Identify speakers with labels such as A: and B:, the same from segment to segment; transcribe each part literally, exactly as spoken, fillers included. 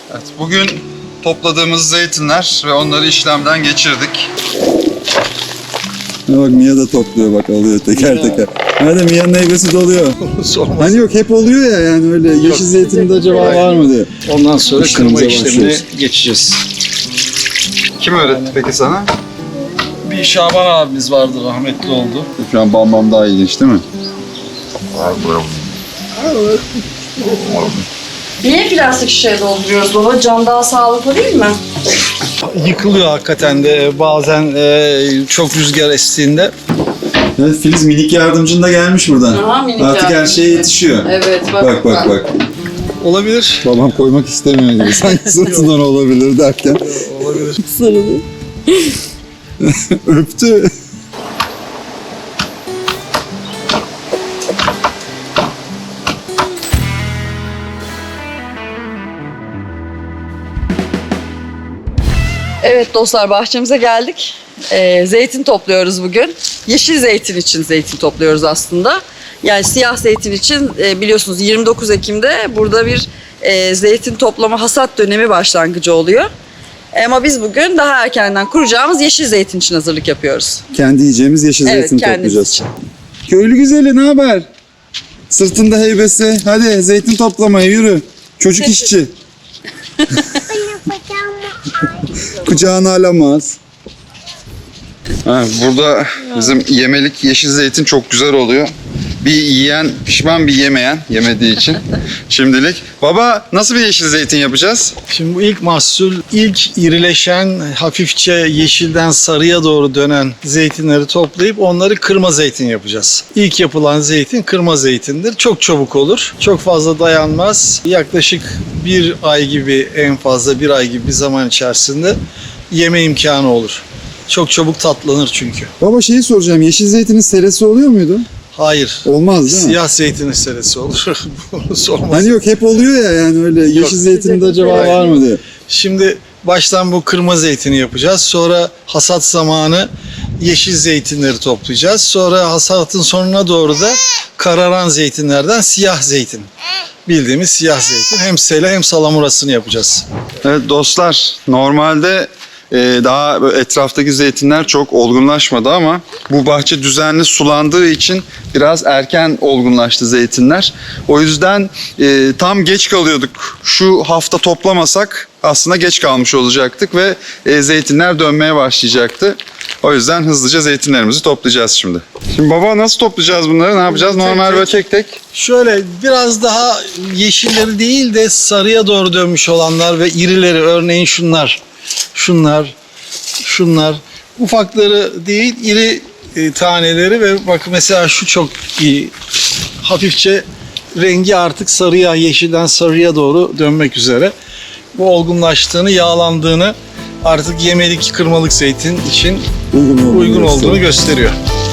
A: Evet, bugün topladığımız zeytinler ve onları işlemden geçirdik.
B: Bak Mia da topluyor, bak alıyor teker ya. teker. Nerede Mia'nın heybesi doluyor. Hani yok hep oluyor ya, yani öyle yeşil yok. Zeytinde acaba Aynen. var mı diye.
C: Ondan sonra kırma işlemine geçeceğiz.
A: Kim öğretti peki sana?
C: Bir Şaban abimiz vardı, rahmetli oldu.
B: Şu an Bam Bam daha ilginç değil mi?
D: Niye plastik şişeye dolduruyoruz baba? Cam daha sağlıklı değil mi?
C: Yıkılıyor hakikaten de bazen e, çok rüzgar estiğinde.
B: Evet, Filiz minik yardımcın da gelmiş buradan.
D: Aha, minik
B: Artık
D: yardımcı.
B: her şeye yetişiyor.
D: Evet bak.
B: Bak bak bak.
C: Olabilir.
B: Babam koymak istemiyor gibi. Sanki sırtından olabilir derken.
C: Olabilir.
D: Sarılı.
B: Öptü.
D: Evet dostlar, bahçemize geldik. Ee, zeytin topluyoruz bugün. Yeşil zeytin için zeytin topluyoruz aslında. Yani siyah zeytin için e, biliyorsunuz yirmi dokuz Ekim'de burada bir e, zeytin toplama hasat dönemi başlangıcı oluyor. Ama biz bugün daha erkenden kuracağımız yeşil zeytin için hazırlık yapıyoruz.
B: Kendi yiyeceğimiz yeşil
D: Evet,
B: zeytin
D: kendimiz
B: toplayacağız.
D: için.
B: Köylü güzeli, ne haber? Sırtında heybesi. Hadi zeytin toplamaya yürü. Çocuk işçi. Kucağına alamaz.
A: Ha, burada bizim yemelik yeşil zeytin çok güzel oluyor. Bir yiyen pişman, bir yemeyen, yemediği için şimdilik. Baba, nasıl bir yeşil zeytin yapacağız?
C: Şimdi bu ilk mahsul, ilk irileşen, hafifçe yeşilden sarıya doğru dönen zeytinleri toplayıp onları kırma zeytin yapacağız. İlk yapılan zeytin kırma zeytindir. Çok çabuk olur. Çok fazla dayanmaz. Yaklaşık bir ay gibi, en fazla bir ay gibi bir zaman içerisinde yeme imkanı olur. Çok çabuk tatlanır çünkü.
B: Baba şeyi soracağım. Yeşil zeytinin seresi oluyor muydu?
C: Hayır.
B: Olmaz değil mi?
C: Siyah zeytinin seresi olur. Bunu sormasın.
B: Hani yok hep oluyor ya, yani öyle yeşil
C: Yok.
B: zeytinde acaba
C: Hayır.
B: var mı diye.
C: Şimdi baştan bu kırma zeytini yapacağız. Sonra hasat zamanı yeşil zeytinleri toplayacağız. Sonra hasatın sonuna doğru da kararan zeytinlerden siyah zeytin. Bildiğimiz siyah zeytin. Hem sele hem salamurasını yapacağız.
A: Evet dostlar, normalde e, daha böyle etraftaki zeytinler çok olgunlaşmadı ama bu bahçe düzenli sulandığı için biraz erken olgunlaştı zeytinler. O yüzden e, tam geç kalıyorduk. Şu hafta toplamasak aslında geç kalmış olacaktık ve e, zeytinler dönmeye başlayacaktı. O yüzden hızlıca zeytinlerimizi toplayacağız şimdi. Şimdi baba, nasıl toplayacağız bunları? Ne yapacağız?
C: Tek
A: Normal
C: tek.
A: böyle tek tek.
C: Şöyle biraz daha yeşilleri değil de sarıya doğru dönmüş olanlar ve irileri, örneğin şunlar, şunlar, şunlar. Ufakları değil, iri e, taneleri ve bak mesela şu çok iyi. Hafifçe rengi artık sarıya, yeşilden sarıya doğru dönmek üzere. Bu olgunlaştığını, yağlandığını, artık yemelik kırmalık zeytin için
B: Uygun olduğunu,
C: uygun olduğunu gösteriyor.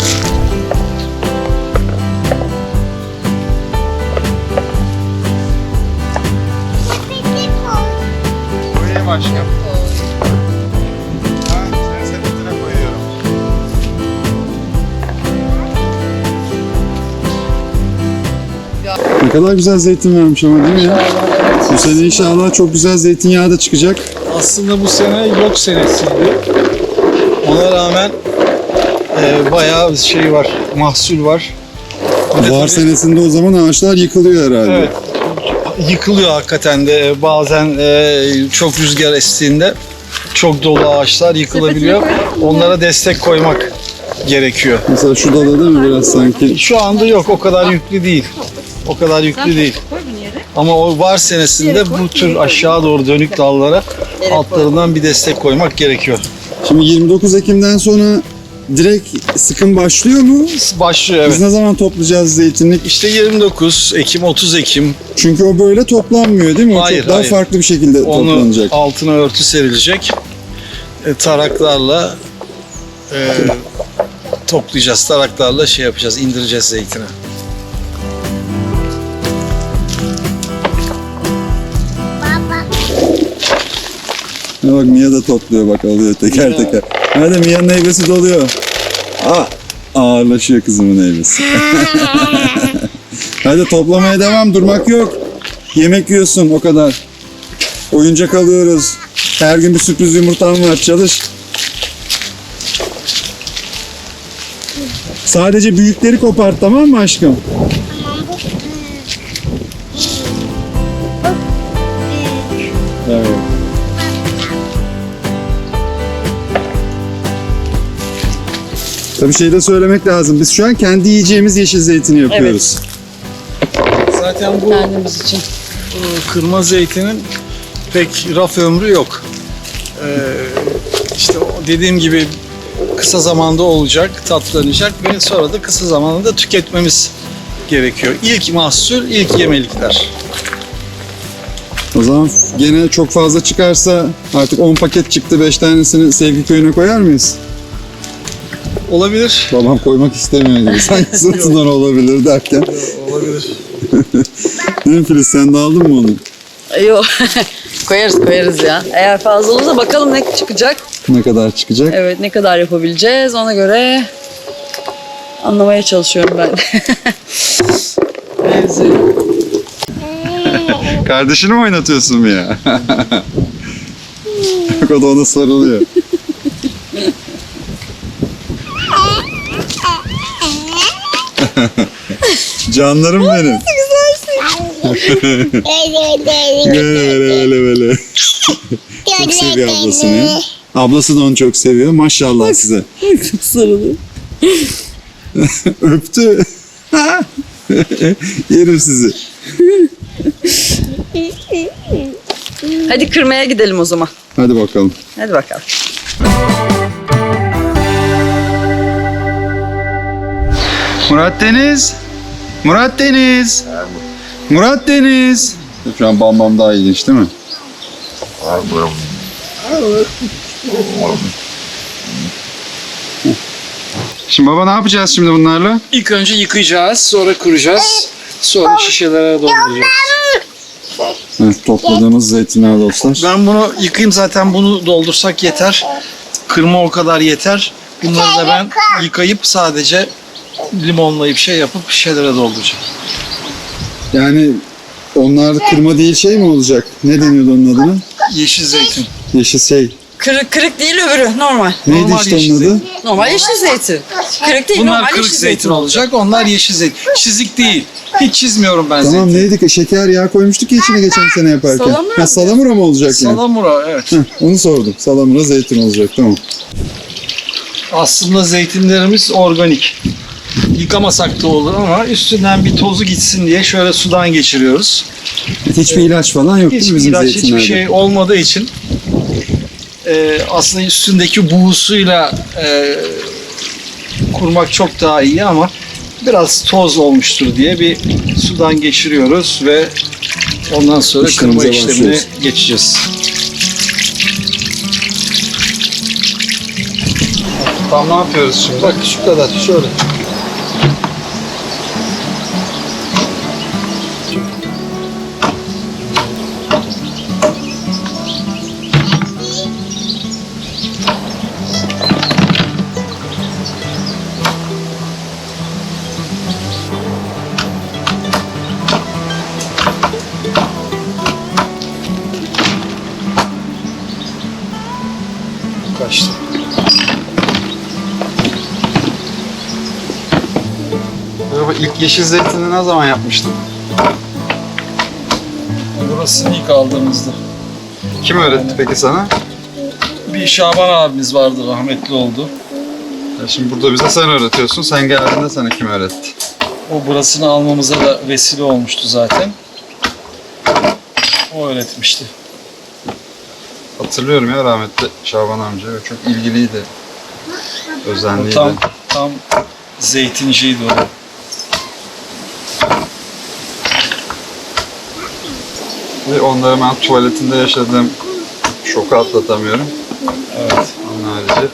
A: Buraya başka. Ha, seni sepetine koyuyorum.
B: Ne kadar güzel zeytin vermiş ama değil mi ya? Bu sene inşallah çok güzel zeytinyağı da çıkacak.
C: Aslında bu sene yok senesiydi. Ona rağmen e, bayağı bir şey var, mahsul var. Bir de
B: Var
C: tabii-
B: senesinde o zaman ağaçlar yıkılıyor herhalde.
C: Evet. Yıkılıyor hakikaten de bazen e, çok rüzgar estiğinde çok dolu ağaçlar yıkılabiliyor. Onlara destek koymak gerekiyor.
B: Mesela şu dala değil mi biraz sanki?
C: Şu anda yok, o kadar yüklü değil. O kadar yüklü değil. Ama o var senesinde bu tür aşağı doğru dönük dallara altlarından bir destek koymak gerekiyor.
B: Şimdi yirmi dokuz Ekim'den sonra direkt sıkım başlıyor mu?
C: Başlıyor
B: Biz
C: evet.
B: ne zaman toplayacağız zeytinlik?
C: İşte yirmi dokuz Ekim, otuz Ekim.
B: Çünkü o böyle toplanmıyor değil mi? O
C: Hayır,
B: çok daha
C: hayır.
B: farklı bir şekilde
C: Onu
B: toplanacak.
C: altına örtü serilecek. E, taraklarla e, toplayacağız. Taraklarla şey yapacağız, indireceğiz zeytini.
B: Ha bak Mia da topluyor, bak alıyor teker
C: Ya.
B: teker. Nerede Mia'nın heybesi doluyor. Aa, ağırlaşıyor kızımın heybesi. Hadi toplamaya devam, durmak yok. Yemek yiyorsun o kadar. Oyuncak alıyoruz. Her gün bir sürpriz yumurtam var. Çalış. Sadece büyükleri kopart, tamam mı aşkım?
E: Tamam bu.
B: Evet. Tabii şey de söylemek lazım. Biz şu an kendi yiyeceğimiz yeşil zeytini yapıyoruz.
C: Zaten bu
D: Kendimiz için.
C: Bu kırma zeytinin pek raf ömrü yok. Ee, işte o dediğim gibi kısa zamanda olacak, tatlanacak ve sonra da kısa zamanda da tüketmemiz gerekiyor. İlk mahsul, ilk yemelikler.
B: O zaman gene çok fazla çıkarsa artık on paket çıktı, beş tanesini Sevgi Köyü'ne koyar mıyız?
C: Olabilir.
B: Babam koymak istemiyor gibi. Sanki sırtından olabilir derken.
C: Olabilir.
B: Değil mi Filiz, sen de aldın mı onu?
D: Yok. koyarız koyarız ya. Eğer fazla olursa bakalım ne çıkacak.
B: Ne kadar çıkacak?
D: Evet, ne kadar yapabileceğiz ona göre anlamaya çalışıyorum ben. Benziyor.
A: Kardeşini mi oynatıyorsun mu ya?
B: Bak o da ona sarılıyor. Canlarım benim. Böyle böyle böyle böyle. Çok seviyor ablasını ya. Ablası da onu çok seviyor. Maşallah size.
D: Sarılıyor.
B: Öptü. Yerim sizi.
D: Hadi kırmaya gidelim o zaman.
B: Hadi bakalım.
D: Hadi bakalım.
A: Murat Deniz. Murat Deniz. Murat Deniz.
B: Şu an Bam Bam daha ilginç değil mi?
A: Şimdi baba ne yapacağız şimdi bunlarla?
C: İlk önce yıkayacağız, sonra kuracağız, sonra şişelere dolduracağız.
B: Evet, topladığımız zeytinler dostlar.
C: Ben bunu yıkayayım, zaten bunu doldursak yeter. Kırma o kadar yeter. Bunları da ben yıkayıp sadece limonlayıp şey yapıp şişelere dolduracağım.
B: Yani onlar kırma değil şey mi olacak? Ne deniyordu onun adına?
C: Yeşil zeytin.
B: Yeşil şey.
D: Kırık kırık değil öbürü normal.
B: Neydi
C: Normal
B: işte
C: yeşil
B: onun adı?
C: zeytin.
D: Normal yeşil zeytin. Kırık değil
C: Bunlar
D: normal
C: kırık
D: yeşil
C: zeytin olacak, onlar yeşil zeytin. Çizik değil. Hiç çizmiyorum ben
B: Tamam
C: zeytin.
B: neydi ki? Şeker yağı koymuştuk ya içine geçen sene yaparken.
D: Salamura
B: Ha,
D: mı?
B: salamura mı olacak yani?
C: Salamura, evet.
B: Heh, onu sordum. Salamura zeytin olacak, tamam.
C: Aslında zeytinlerimiz organik. Yıkamasak da olur ama üstünden bir tozu gitsin diye şöyle sudan geçiriyoruz.
B: Hiçbir ilaç falan yok değil mi
C: Hiçbir
B: bizim
C: ilaç, hiçbir
B: zeytinlerde?
C: şey olmadığı için e, aslında üstündeki buğusuyla e, kurmak çok daha iyi ama biraz toz olmuştur diye bir sudan geçiriyoruz ve ondan sonra kırma
B: İşlemimize
C: işlemine
B: başlıyoruz.
C: geçeceğiz.
A: Tam ne yapıyoruz şimdi?
C: Bak şu kadar, şöyle. Kaçtı.
A: Baba ilk yeşil zeytini ne zaman yapmıştın?
C: Burasını ilk aldığımızda.
A: Kim öğretti peki sana?
C: Bir Şaban abimiz vardı, rahmetli oldu.
A: Ya şimdi burada bize sen öğretiyorsun. Sen geldiğinde sana kim öğretti?
C: O burasını almamıza da vesile olmuştu zaten. O öğretmişti.
A: Hatırlıyorum ya rahmetli Şaban amca. Çok ilgiliydi.
C: O
A: Özenliydi.
C: tam tam zeytinciydi o.
A: Ve onları ben tuvaletinde yaşadığım şoku atlatamıyorum.
C: Evet.
A: Onun harici.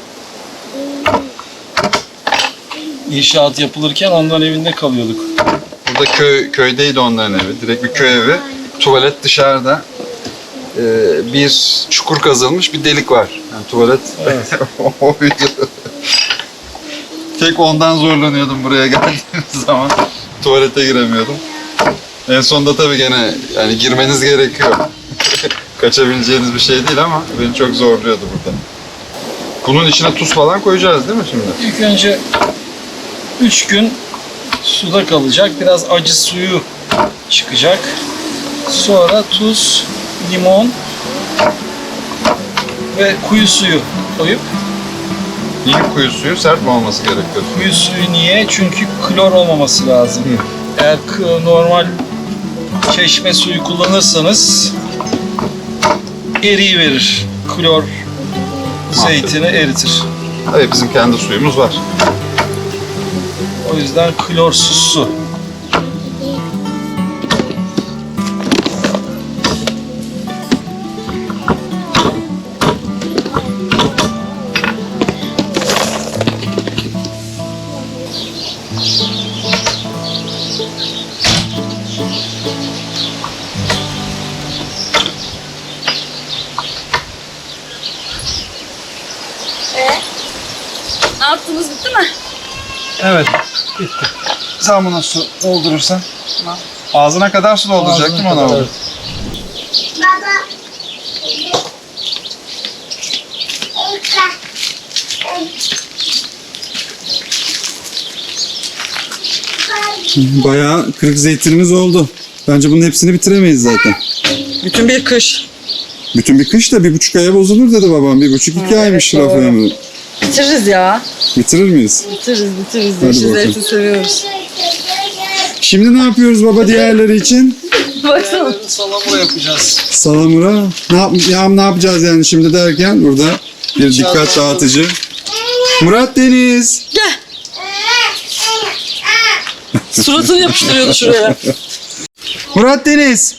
C: İnşaat yapılırken onların evinde kalıyorduk.
A: Burada köy köydeydi onların evi. Direkt bir köy evi. Tuvalet dışarıda. Ee, bir çukur kazılmış bir delik var. Yani tuvalet
C: Evet.
A: oydu. Tek ondan zorlanıyordum buraya geldiğim zaman. Tuvalete giremiyordum. En sonunda tabii gene yani girmeniz gerekiyor. kaçabileceğiniz bir şey değil ama beni çok zorluyordu burada. Bunun içine tuz falan koyacağız değil mi şimdi?
C: İlk önce üç gün suda kalacak. Biraz acı suyu çıkacak. Sonra tuz, limon ve kuyu suyu koyup
A: İyi kuyu suyu sert mi olması gerekiyor?
C: kuyu suyu niye? Çünkü klor olmaması lazım. Eğer k- normal çeşme suyu kullanırsanız eriyi verir. Klor zeytini eritir.
A: Hayır, bizim kendi suyumuz var.
C: O yüzden klorsuz su.
D: Ne yaptınız, bitti mi?
C: Evet.
A: Sen buna su doldurursan. Ağzına kadar su dolduracaktım ona.
C: kadar.
B: Bayağı kırık zeytinimiz oldu. Bence bunun hepsini bitiremeyiz zaten.
D: Bütün bir kış.
B: Bütün bir kış da bir buçuk aya bozulur dedi babam. Bir buçuk iki aymış
D: doğru.
B: raf ömrü.
D: Bitiririz ya.
B: Bitirir miyiz?
D: Bitiririz, bitiririz.
B: Hadi
D: Yeşil
B: bakalım.
D: zeytin seviyoruz.
B: Şimdi ne yapıyoruz baba diğerleri için?
D: Baksana.
C: Salamura yapacağız.
B: Salamura. Ne, yap ya, ne yapacağız yani şimdi derken burada bir dikkat dağıtıcı. Murat Deniz.
D: Gel. Suratını yapıştırıyordu şuraya.
B: Murat Deniz.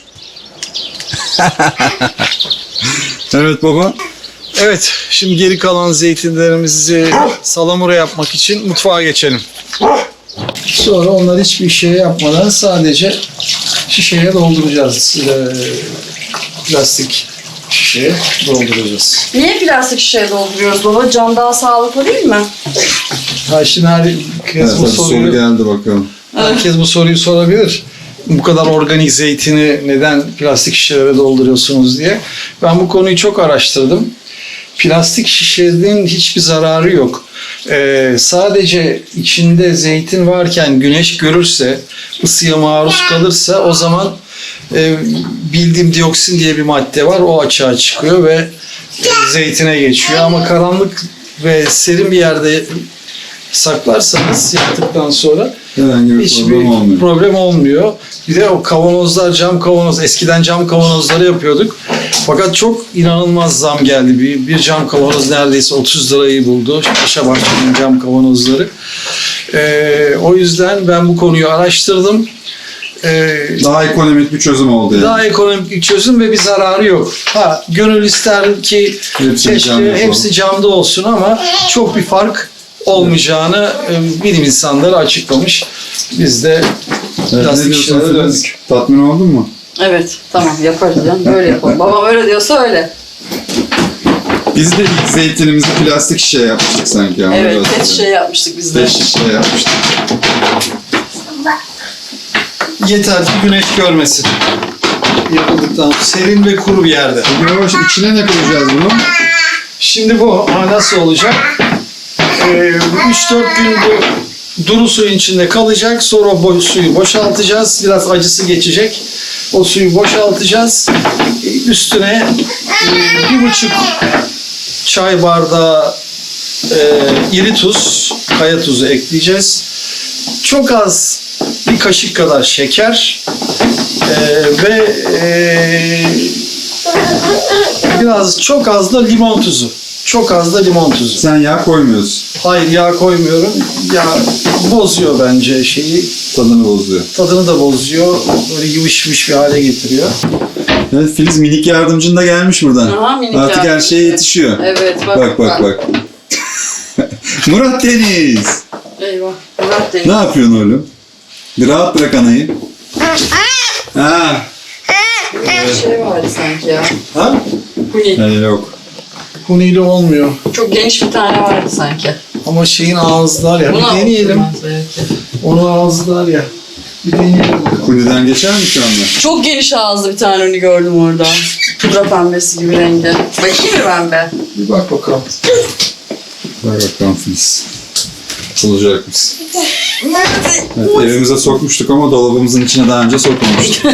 B: Evet baba.
C: Evet, şimdi geri kalan zeytinlerimizi salamura yapmak için mutfağa geçelim. Sonra onları hiçbir şey yapmadan sadece şişeye dolduracağız. Ee, plastik şişeye dolduracağız.
D: Niye plastik şişeye dolduruyoruz baba? Cam daha sağlıklı değil mi?
C: Ha şimdi herkes
B: Evet,
C: bu
B: soru
C: soruyu,
B: geldi bakalım.
C: herkes bu soruyu sorabilir. Bu kadar organik zeytini neden plastik şişelere dolduruyorsunuz diye. Ben bu konuyu çok araştırdım. Plastik şişenin hiçbir zararı yok. Ee, sadece içinde zeytin varken güneş görürse, ısıya maruz kalırsa o zaman e, bildiğim dioksin diye bir madde var. O açığa çıkıyor ve e, zeytine geçiyor. Ama karanlık ve serin bir yerde saklarsanız yaptıktan sonra
B: Herhangi bir
C: hiçbir
B: problem olmuyor.
C: problem olmuyor. Bir de o kavanozlar, cam kavanoz, eskiden cam kavanozları yapıyorduk. Fakat çok inanılmaz zam geldi. Bir, bir cam kavanoz neredeyse otuz lirayı buldu. Paşa Bahçe'nin cam kavanozları. Ee, o yüzden ben bu konuyu araştırdım. Ee,
B: Daha ekonomik bir çözüm oldu yani.
C: daha ekonomik bir çözüm ve bir zararı yok. Ha, gönül ister ki
B: Hepsi
C: keşke
B: camda olsun.
C: hepsi camda olsun ama çok bir fark olmayacağını e, bilim insanları açıklamış. Biz de
B: Evet, ne
C: plastik
B: diyorsun
C: şişelere
B: Filiz?
C: döndük.
B: Tatmin oldun mu?
D: Evet, tamam yaparız canım. Öyle yapalım. Babam öyle diyorsa öyle.
B: Biz de ilk zeytinimizi plastik şişeye yapmıştık sanki. ama
D: Evet,
B: biraz
D: pet
B: da.
D: şişe yapmıştık biz de.
B: Pet şişeye yapmıştık.
C: Yeter ki güneş görmesin. Yapıldıktan sonra serin ve kuru bir yerde.
B: Peki baba şimdi içine ne koyacağız bunu?
C: Şimdi bu ha, nasıl olacak? Ee, üç dört gün bu duru suyun içinde kalacak. Sonra bo- suyu boşaltacağız. Biraz acısı geçecek. O suyu boşaltacağız. Ee, Üstüne e, bir buçuk çay bardağı e, iri tuz, kaya tuzu ekleyeceğiz. Çok az bir kaşık kadar şeker e, ve e, biraz çok az da limon tuzu. Çok az da limon tuzu.
B: Sen yağ koymuyorsun.
C: Hayır yağ koymuyorum. Yağ bozuyor bence şeyi.
B: Tadını bozuyor.
C: Tadını da bozuyor. Böyle yıvış yıvış bir hale getiriyor.
B: Evet Filiz minik yardımcın da gelmiş buradan.
D: Aha, minik
B: Artık her
D: yardımcı.
B: şeye yetişiyor.
D: Evet, bak.
B: Bak bak bak. Murat Deniz.
D: Eyvah. Murat değil.
B: Ne yapıyorsun oğlum? Bir rahat bırak anayı. Ha.
D: Bir şey vardı sanki ya.
C: Ha?
D: Huni.
B: Yani yok.
C: Hunili olmuyor.
D: Çok geniş bir tane vardı sanki.
C: Ama şeyin ağızlar ya.
D: Bunu
C: Bir deneyelim.
D: aldım ben belki.
C: Onu ağızlar ya. Bir deneyelim bakalım.
B: Kuleden geçer mi şu anda?
D: Çok geniş ağızlı bir tane huni gördüm orada. Pudra pembesi gibi rengi. Bakayım mı pembe?
B: Bir bak bakalım. Bak bakalım Filiz. Olacak mısın? Evet, evimize sokmuştuk ama dolabımızın içine daha önce sokmamıştık.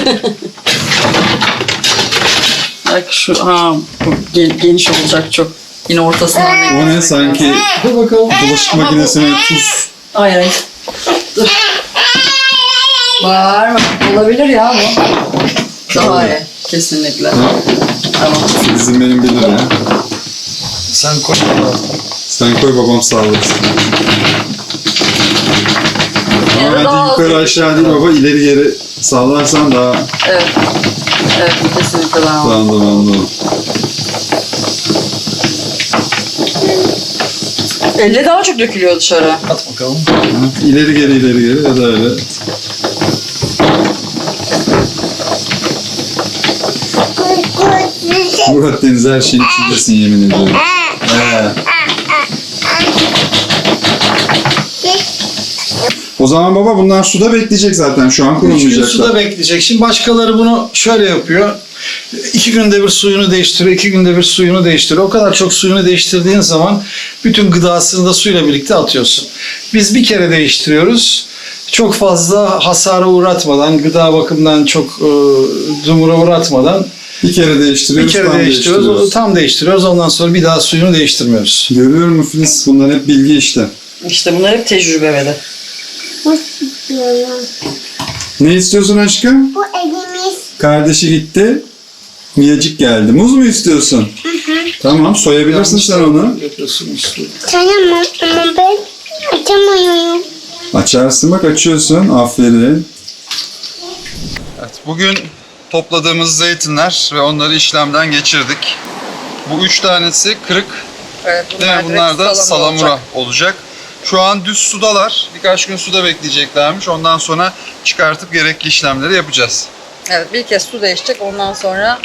D: Bak şu, ha bu ge- geniş olacak çok. Yine ortasından renk.
B: O ne sanki
C: Dur bakalım.
B: bulaşık makinesine tuz.
D: Hayır hayır. Dur. Var mı? Olabilir ya bu. Daha iyi. Kesinlikle. Tamam.
B: Filiz'im benim bilir ya.
C: Sen koy.
B: Sen koy babam sallasın.
D: Ya da
B: Ama
D: daha
B: bence
D: az
B: yukarı
D: bir-
B: aşağı değil baba, ileri geri sallarsan daha
D: Evet. Evet kesinlikle daha iyi.
B: anladım anladım.
D: Elle daha çok dökülüyor dışarı.
C: At bakalım.
B: İleri geri ileri geri ya da öyle. Murat Deniz her şeyin içindesin yemin ediyorum. He. O zaman baba bunlar suda bekleyecek zaten, şu an
C: Üç gün
B: kurulmayacaklar.
C: suda bekleyecek. Şimdi başkaları bunu şöyle yapıyor. İki günde bir suyunu değiştiriyor, iki günde bir suyunu değiştiriyor. O kadar çok suyunu değiştirdiğin zaman bütün gıdasını da suyla birlikte atıyorsun. Biz bir kere değiştiriyoruz. Çok fazla hasara uğratmadan, gıda bakımından çok e, dumura uğratmadan
B: Bir kere değiştiriyoruz,
C: bir kere
B: tam
C: değiştiriyoruz.
B: değiştiriyoruz.
C: Tam değiştiriyoruz. Ondan sonra bir daha suyunu değiştirmiyoruz.
B: Görüyor musun Filiz? Bunlar hep bilgi işte.
D: İşte bunlar hep tecrübe ve de.
B: Ne istiyorsun aşkım?
E: Bu elimiz.
B: Kardeşi gitti. Miyacık geldi. Muz mu istiyorsun? Tamam, soyabilirsin sen onu.
C: Yapıyorsunuz.
E: Sayamam ama ben açamıyorum.
B: Açarsın, bak açıyorsun. Aferin.
A: Evet, bugün topladığımız zeytinler ve onları işlemden geçirdik. Bu üç tanesi kırık,
D: Evet,
A: değil mi?
D: direkt
A: Bunlar da
D: salamura
A: salamura
D: olacak.
A: olacak. Şu an düz sudalar. Birkaç gün suda bekleyeceklermiş. Ondan sonra çıkartıp gerekli işlemleri yapacağız.
D: Evet bir kez su değişecek ondan sonra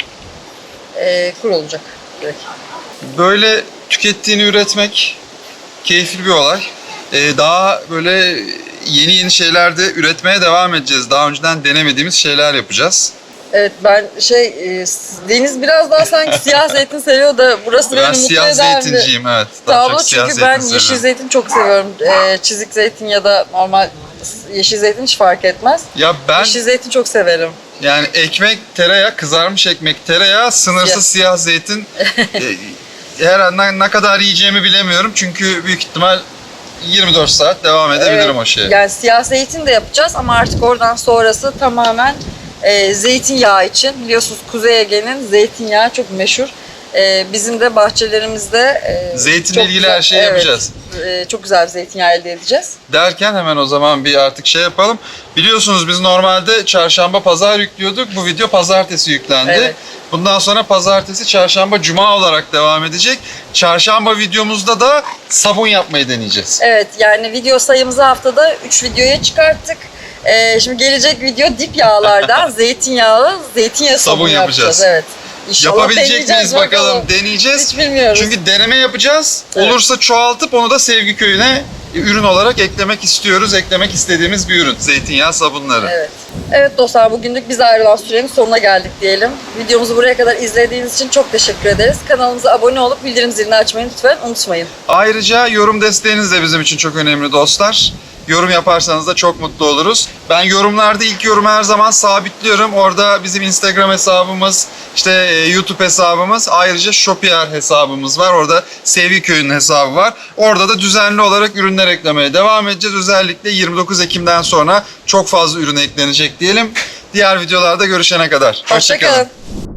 D: e, kuru olacak direkt.
A: Böyle tükettiğini üretmek keyifli bir olay. Ee, daha böyle yeni yeni şeyler de üretmeye devam edeceğiz. Daha önceden denemediğimiz şeyler yapacağız.
D: Evet ben şey e, Deniz biraz daha sanki siyah zeytin seviyor da burası beni
A: Ben
D: mutlu
A: siyah
D: eden bir
A: zeytinciyim, evet. Daha
D: tablo
A: çok siyah
D: çünkü
A: zeytin
D: ben yeşil
A: seviyorum.
D: zeytin çok seviyorum. E, çizik zeytin ya da normal yeşil zeytin hiç fark etmez.
A: Ya ben
D: Yeşil zeytin çok severim.
A: yani ekmek, tereyağı, kızarmış ekmek, tereyağı, sınırsız siyah zeytin. e, her an ne- ne kadar yiyeceğimi bilemiyorum. Çünkü büyük ihtimal yirmi dört saat devam edebilirim
D: Evet,
A: o şeye.
D: Yani siyah zeytin de yapacağız ama artık oradan sonrası tamamen e, zeytinyağı için. Biliyorsunuz Kuzey Ege'nin zeytinyağı çok meşhur. E, bizim de bahçelerimizde e,
A: Zeytinle
D: çok
A: ilgili
D: güzel-
A: her şeyi
D: evet,
A: yapacağız.
D: e, çok güzel bir zeytinyağı elde edeceğiz.
A: Derken hemen o zaman bir artık şey yapalım. Biliyorsunuz biz normalde çarşamba, pazar yüklüyorduk. Bu video pazartesi yüklendi.
D: Evet.
A: Bundan sonra pazartesi, çarşamba, cuma olarak devam edecek. Çarşamba videomuzda da sabun yapmayı deneyeceğiz.
D: Evet yani video sayımızı haftada üç videoya çıkarttık. E, şimdi gelecek video dip yağlardan zeytinyağı, zeytinyağı sabun,
A: Sabun
D: yapacağız.
A: yapacağız.
D: Evet. İnşallah
A: Yapabilecek
D: deneyeceğiz
A: miyiz bakalım, deneyeceğiz.
D: Hiç bilmiyoruz.
A: Çünkü deneme yapacağız.
D: Evet.
A: Olursa çoğaltıp onu da Sevgi Köyü'ne ürün olarak eklemek istiyoruz. Eklemek istediğimiz bir ürün. Zeytinyağı sabunları.
D: Evet. Evet dostlar bugünlük biz ayrılan sürenin sonuna geldik diyelim. Videomuzu buraya kadar izlediğiniz için çok teşekkür ederiz. Kanalımıza abone olup bildirim zilini açmayı lütfen unutmayın.
A: Ayrıca yorum desteğiniz de bizim için çok önemli dostlar. Yorum yaparsanız da çok mutlu oluruz. Ben yorumlarda ilk yorumu her zaman sabitliyorum. Orada bizim Instagram hesabımız, işte e, YouTube hesabımız, ayrıca Shopier hesabımız var. Orada Sevgi Köyü'nün hesabı var. Orada da düzenli olarak ürünler eklemeye devam edeceğiz. Özellikle yirmi dokuz Ekim'den sonra çok fazla ürün eklenecek diyelim. Diğer videolarda görüşene kadar.
D: Hoşçakalın.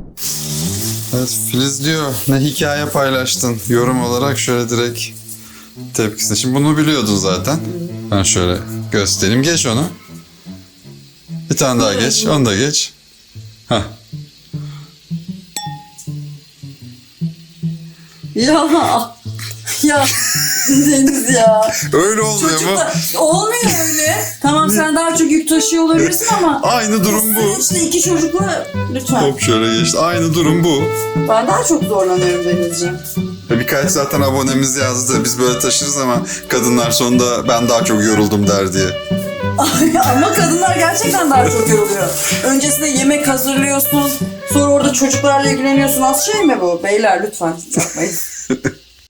B: Evet, Filiz diyor, ne hikaye paylaştın yorum olarak, şöyle direkt tepkisini. Şimdi bunu biliyordun zaten. Ben şöyle göstereyim. Geç onu. Bir tane daha geç. Onu da geç. Hah.
D: Ya ya Deniz ya.
B: Öyle olmuyor mu?
F: Çocuklar olmuyor öyle. Tamam sen daha çok yük taşıyor olabilirsin ama
B: Aynı durum bu.
F: işte iki çocukla lütfen.
B: Hop şöyle geçti. Aynı durum bu.
F: Ben daha çok zorlanıyorum Denizciğim.
B: Birkaç zaten abonemiz yazdı. Biz böyle taşırız ama kadınlar sonunda ben daha çok yoruldum der diye.
F: Ama kadınlar gerçekten daha çok yoruluyor. Öncesinde yemek hazırlıyorsun. Sonra orada çocuklarla ilgileniyorsun. Az şey mi bu? Beyler lütfen yapmayın.